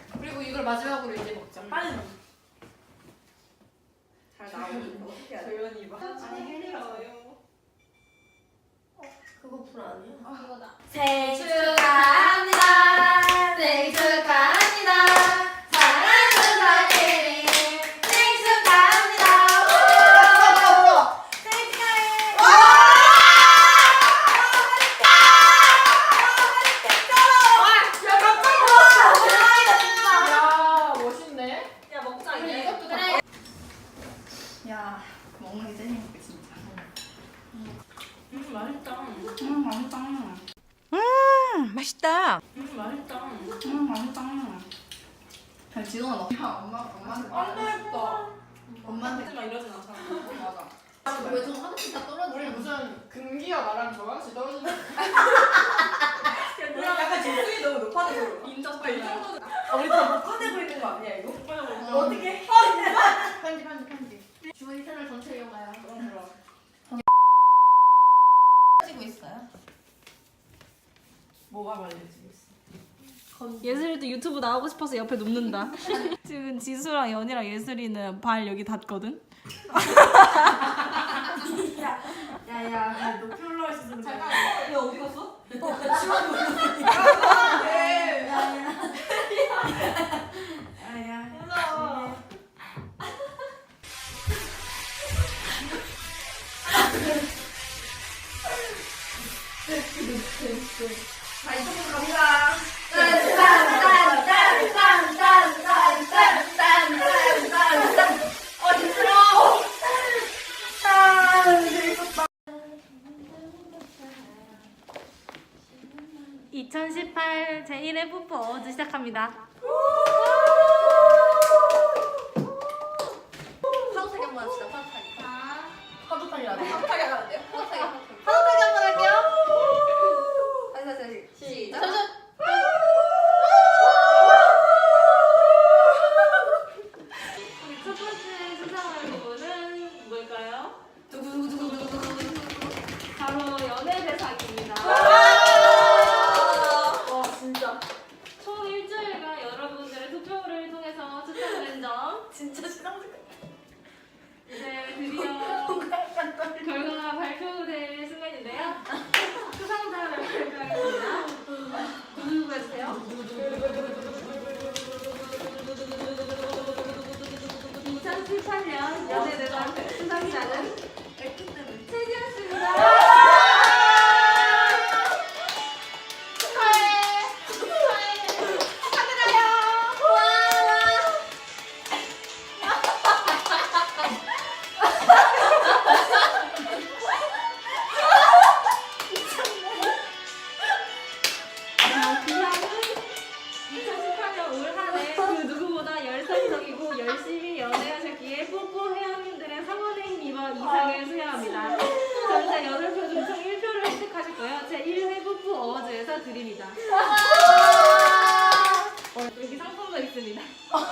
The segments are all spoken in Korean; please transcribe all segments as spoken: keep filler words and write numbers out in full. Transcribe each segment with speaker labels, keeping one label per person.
Speaker 1: 그리고 이걸 마지막으로 이제 먹자.
Speaker 2: 빨리 먹. 잘 나오는 거 어떻게 해야 돼?
Speaker 1: 조연이 봐.
Speaker 2: 아니 해리라고요.
Speaker 3: 그거 불 아니야?
Speaker 1: 아 그거다.
Speaker 3: 생일
Speaker 1: 축하합니다. 생일 축하합니다. 사랑하는 사랑이 생일 축하합니다.
Speaker 3: 생일 축하해.
Speaker 1: 야 멋있네.
Speaker 2: 야 먹자
Speaker 1: 그래,
Speaker 2: 이제.
Speaker 1: 이것도 다.
Speaker 4: 야, 먹는 게 제일 행복해 진짜.
Speaker 2: 음 맛있다.
Speaker 4: 음, 맛있다.
Speaker 5: 음, 맛있다.
Speaker 2: 음 맛있다.
Speaker 4: 음, 맛있다. 야, 지동아 너. 야, 엄마, 엄마한테
Speaker 2: 안
Speaker 4: 말해.
Speaker 2: 맛있다.
Speaker 4: 엄마한테.
Speaker 2: 하지마 이러진 않잖아.
Speaker 4: 맞아.
Speaker 3: 아, 왜좀 하나씩 다 떨어지냐?
Speaker 1: 우리 무슨 금기와 나랑 저같이 떨어지는.
Speaker 2: 약간 지수이 너무 높아져서 인정 빨리. 이 정도는. 아 우리 다 녹화되고 있는 거 아니야 이거? 어떻게 해?
Speaker 1: 편지 편지 편지.
Speaker 3: 주머니 채널 전체 이용가요.
Speaker 2: 그럼 그럼.
Speaker 4: 가지고 있어요?
Speaker 2: 뭐가 말려지겠어?
Speaker 6: 예슬이도 유튜브 나오고 싶어서 옆에 눕는다. 지금 지수랑 연이랑 예슬이는 발 여기 닿거든.
Speaker 2: 야야 높이 올라와 있었으면
Speaker 1: 잠깐.
Speaker 2: 야 어디 갔어? 야야.
Speaker 1: 무서워.
Speaker 3: 자, 이쪽으로 갑니다. 딴딴딴딴딴딴딴딴딴딴. 어, 힘들어.
Speaker 6: 이천십팔 제일 회 뽀뽀 어워즈 시작합니다.
Speaker 3: 파도타기 한번 합시다. 파도타기.
Speaker 2: 파도타기 안 해?
Speaker 3: 파도타기 하면 돼요? 파도타기. 파도타기 한번 할게요. 다시 다시 다시. 시작. 잠시만.
Speaker 6: 우리 첫 번째 수상할 부분은 뭘까요? 바로 연애 대상입니다.
Speaker 3: 와, 진짜.
Speaker 6: 총 일주일간 여러분들의 투표를 통해서 추천된 점
Speaker 3: 진짜 신랑들.
Speaker 6: 이제 드디어 결과가 발표될 순간인데요. 수상자를 발표하겠습니다. 누구 해주세요? 이천십팔 년 연예대상 수상자는 최지현씨입니다. 이천십팔 년 올 한 해 그 누구보다 열성적이고 열심히 연애하셨기에 뽀뽀 회원님들의 성원에 힘입어 이상을 수여합니다. 전체 여덟 표 중 총 일 표를 획득하셨고요. 제일 회 뽀뽀 어워즈에서 드립니다. 어, 여기 상품도 있습니다.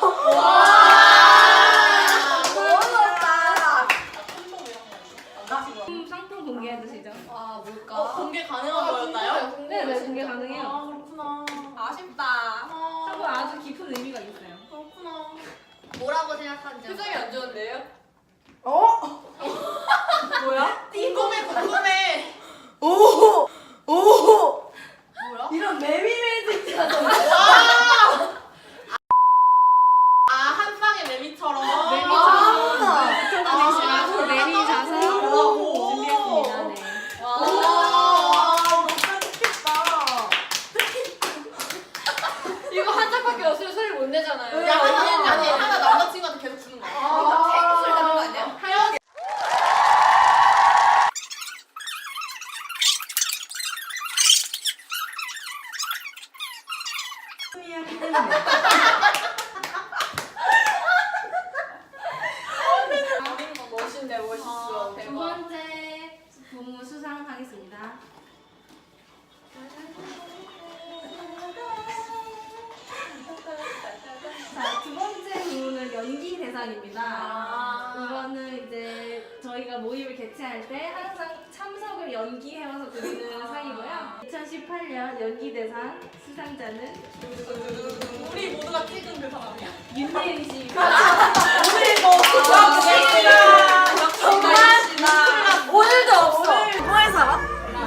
Speaker 6: 음, 상품 공개해 주시죠.
Speaker 3: 아, 뭘까?
Speaker 2: 어 공개 가능한 거였나요?
Speaker 6: 네, 네, 공개 가능해요.
Speaker 2: 아 그렇구나.
Speaker 3: 아쉽다.
Speaker 6: 상품 아주 깊은 의미가 있어요.
Speaker 2: 그렇구나.
Speaker 3: 뭐라고 생각하는지.
Speaker 2: 표정이 안 좋은데요?
Speaker 4: 어?
Speaker 2: 뭐야? 궁금해 궁금해.
Speaker 4: 오! 오!
Speaker 2: 뭐야?
Speaker 4: 이런 매미매직한
Speaker 2: 아 한쌍의 매미처럼.
Speaker 6: 매미처럼
Speaker 4: 아.
Speaker 6: 붙여주시라고 매미 자서 준비했습니다. 네.
Speaker 2: 와. 너무 깜찍했다.
Speaker 1: 이거 한 장밖에 없으면 소리 못 내잖아요.
Speaker 2: 야 아니 아니 하나 남자친구한테 계속 주는 거야.
Speaker 3: 아, 탱술 하는 거 아니야?
Speaker 1: 하연.
Speaker 2: 멋있네 멋있어.
Speaker 6: 두
Speaker 2: 대박.
Speaker 6: 번째 부문 수상하겠습니다. 자, 두 번째 부문은 연기 대상입니다.
Speaker 2: 아.
Speaker 6: 이거는 이제 저희가 모임을 개최할 때 항상 참석을 연기해와서 드리는 상이고요. 이천십팔 이천십팔 년 연기대상 수상자는
Speaker 2: 우리 모두가 찍은 그 사람 아니야?
Speaker 6: 윤예은 씨.
Speaker 2: 오늘 뭐 역시나 역시나 오늘도 없어. 오늘 뭐해 살아?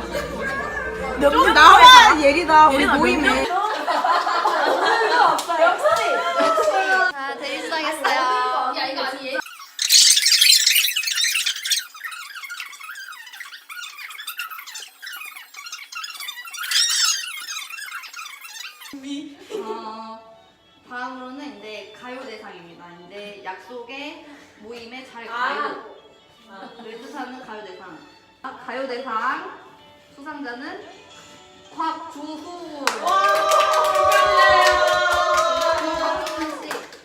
Speaker 5: 몇 나와 예리다 우리 모임에.
Speaker 2: 오늘도 없어. 역시.
Speaker 3: 자, 대리 수상했어요.
Speaker 1: 야 이거 아니에요?
Speaker 4: 어, 다음으로는 이제 가요대상입니다. 이제 약속의 모임에 잘 가요. 를 뜻하는 가요대상. 아, 가요대상 수상자는 곽주후. 곽주후 씨.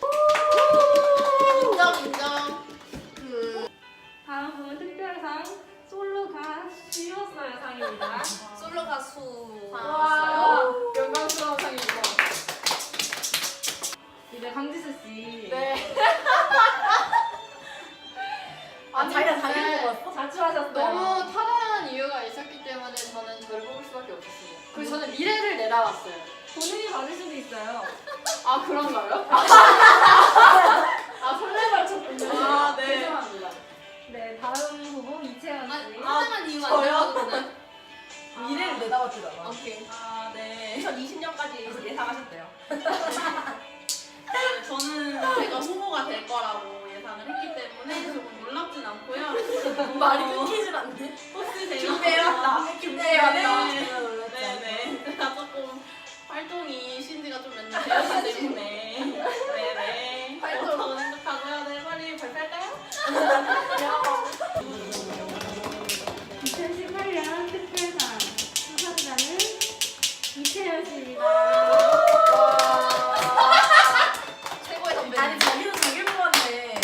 Speaker 1: 인정 인정.
Speaker 4: 그
Speaker 6: 다음 부분 특별상 솔로 가수였어요 상입니다.
Speaker 3: 솔로 가수.
Speaker 1: 와 영광스러운 상이고.
Speaker 6: 이제 강지수 씨.
Speaker 1: 네.
Speaker 2: 아 자기가 자기 뽑았어?
Speaker 6: 자취하셨어요.
Speaker 1: 너무 타당한 이유가 있었기 때문에 저는 저를 뽑을 수밖에 없었어요. 그리고 저는 미래를 내다봤어요.
Speaker 6: 본인이 받을 수도 있어요.
Speaker 1: 아 그런가요? 아 설레발 쳤군요.
Speaker 2: 아, 네.
Speaker 1: 죄송합니다.
Speaker 6: 네 다음 후보 이채원 씨.
Speaker 3: 타당한 이유가
Speaker 2: 저요?
Speaker 3: 아니거든요.
Speaker 2: 미래를 내다봤잖아.
Speaker 3: 오케이.
Speaker 2: 아, 네. 이천이십 년까지 예상하셨대요.
Speaker 7: 저는 제가 후보가 될 거라고 예상을 했기 때문에 조금 놀랍진 않고요.
Speaker 2: 말이
Speaker 7: 어,
Speaker 2: 끊기질 않네.
Speaker 7: 혹시 제가
Speaker 2: 준비해왔다. 준비해왔다.
Speaker 7: 네, 네네. 제가 조금 활동이 신지가 좀 몇 년 되었기 때문에 네네. 그렇다고 생각하고요. 네, 빨리 발표할까요?
Speaker 6: 이천십팔 년 특별상 수상자는 이채연 씨입니다.
Speaker 3: 최고의 선배.
Speaker 2: 아니, 자기도 자기 뽑았네.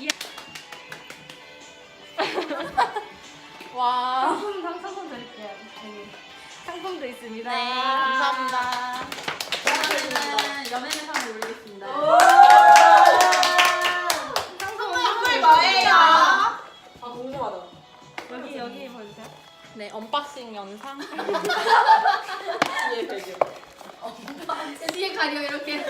Speaker 7: 와.
Speaker 6: 상품 상 상품 드릴게요. 여기 상품도 있습니다.
Speaker 7: 네, 감사합니다. 저는 연예대상을 올리겠습니다.
Speaker 2: 선물 뭐예요? 아, 궁금하다.
Speaker 6: 여기 여기 보여주세요.
Speaker 7: 네, 언박싱 영상.
Speaker 2: 예, 되게.
Speaker 3: 뒤에 가려 이렇게.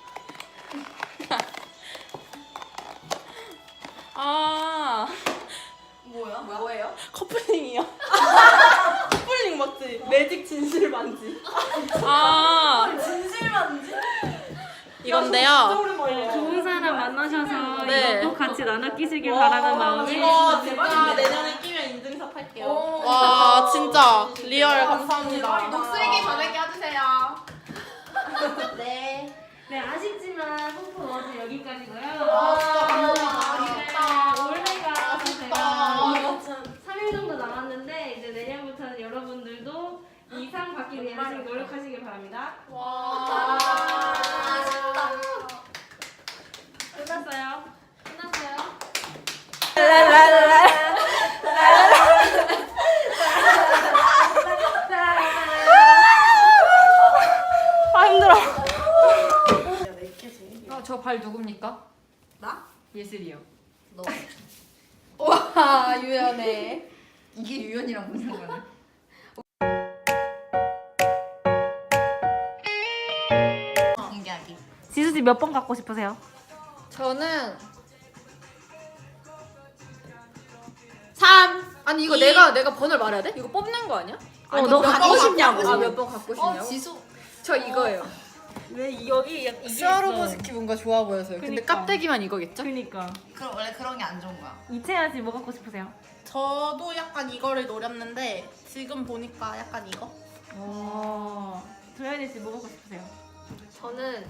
Speaker 7: 아,
Speaker 2: 뭐야? 뭐예요?
Speaker 7: 커플링이요. 커플링 맞지? 매직 진실 반지. 아,
Speaker 2: 진실 반지?
Speaker 7: 이건데요.
Speaker 6: 좋은 사람 만나셔서
Speaker 7: 네.
Speaker 6: 이거 꼭 같이 나눠 끼시길 바라는 마음에
Speaker 7: 이거 진짜 내년에 끼면 인증샷 할게요. 와, 진짜 리얼 감사합니다.
Speaker 1: 녹슬기 전에 껴주세요.
Speaker 3: 네.
Speaker 6: 네 아쉽지만 홍보 어제 여기까지고요.
Speaker 1: 아, 진짜
Speaker 6: 네, 올해가 제가
Speaker 2: 아, 참.
Speaker 6: 삼 일 정도 남았는데 이제 내년부터는 여러분들도 이 상 받기 위해 열심히 노력하시길 바랍니다.
Speaker 1: 와.
Speaker 3: 아쉽다.
Speaker 6: 끝났어요.
Speaker 3: 끝났어요.
Speaker 7: 아, 힘들어.
Speaker 1: 어, 저 발 누굽니까?
Speaker 2: 나?
Speaker 1: 예슬이요.
Speaker 3: 너.
Speaker 4: 와 유연해. 이게 유연이랑 무슨 상관이야?
Speaker 3: 공개하기.
Speaker 6: 지수 씨 몇 번 갖고 싶으세요?
Speaker 1: 저는 삼. 아니 이거 내가 내가 번호를 말해야 돼? 이거 뽑는 거 아니야?
Speaker 6: 어, 너 갖고 싶냐고.
Speaker 1: 아 몇 번 갖고 싶냐고?
Speaker 3: 어 지수.
Speaker 1: 저 이거예요.
Speaker 6: 왜 여기 이게
Speaker 1: 스와로보스키 뭔가 좋아 보여서요. 근데
Speaker 6: 그니까.
Speaker 1: 깍대기만 이거겠죠?
Speaker 6: 그니까
Speaker 3: 그럼 원래 그런 게 안 좋은 거야.
Speaker 6: 이채연 씨 뭐 갖고 싶으세요?
Speaker 7: 저도 약간 이거를 노렸는데 지금 보니까 약간 이거.
Speaker 6: 오. 조현희 씨 뭐 갖고 싶으세요?
Speaker 3: 저는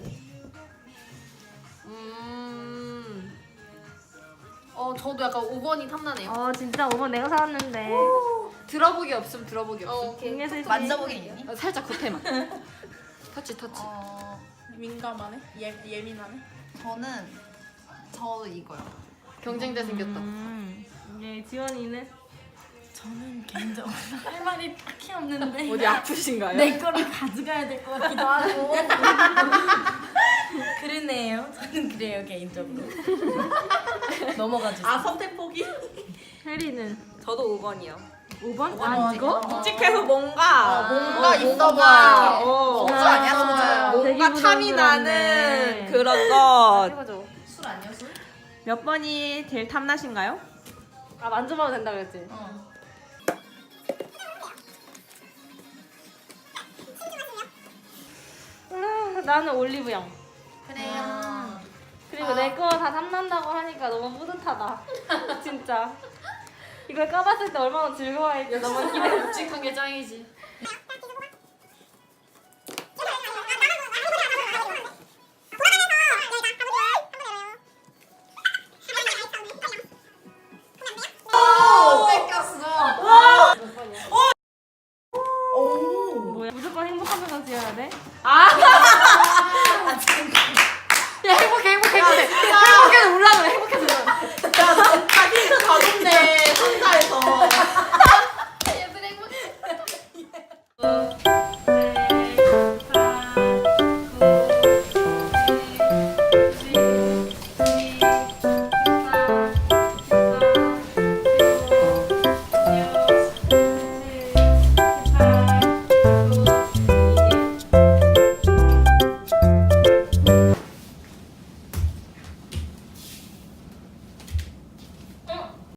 Speaker 3: 음. 어 저도 약간 오 번이 탐나네요.
Speaker 6: 어 진짜 오 번 내가 사왔는데.
Speaker 1: 들어보기 없음 들어보기
Speaker 3: 어,
Speaker 1: 없음.
Speaker 3: 오케이.
Speaker 6: 김예슬 씨
Speaker 3: 만져보기 있니?
Speaker 1: 어, 살짝 겉에만. 터치 터치.
Speaker 3: 어
Speaker 7: 민감하네. 예 예민하네.
Speaker 3: 저는 저 이거요.
Speaker 1: 경쟁자 생겼다.
Speaker 6: 음. 네 지원이는
Speaker 2: 저는 개인적으로 할 말이 딱히 없는데
Speaker 1: 어디 아프신가요?
Speaker 2: 내 거를 가져가야 될 것 같기도 하고 그러네요. 저는 그래요 개인적으로. 넘어가 주세요.
Speaker 7: 아, 선택 포기?
Speaker 6: 혜리는
Speaker 2: 저도 오 번이요.
Speaker 6: 오 번? 아 이거?
Speaker 5: 묵직해서 뭔가
Speaker 4: 뭔가 있어
Speaker 5: 뭔가
Speaker 4: 보여.
Speaker 5: 어,
Speaker 4: 소주 아니야, 소주.
Speaker 5: 뭔가
Speaker 6: 되게
Speaker 5: 탐이 나는
Speaker 6: 부담스럽네.
Speaker 5: 그런 것.
Speaker 6: 해보죠.
Speaker 4: 술 아니야, 술?
Speaker 5: 몇 번이 제일 탐나신가요?
Speaker 6: 아 만져봐도 된다 그랬지?
Speaker 4: 어.
Speaker 6: 아, 나는 올리브영.
Speaker 4: 그래요.
Speaker 6: 그리고 내 거 다 탐난다고 하니까 너무 뿌듯하다. 진짜. 이걸 까봤을 때 얼마나 즐거워할지 너무 기대.
Speaker 1: 묵직한 게 짱이지.
Speaker 6: 뭐야? 무조건 행복하면서 지어야 돼?
Speaker 1: 야 행복해 행복해 행복해. 행복해서 올라 그래 행복해서 올라.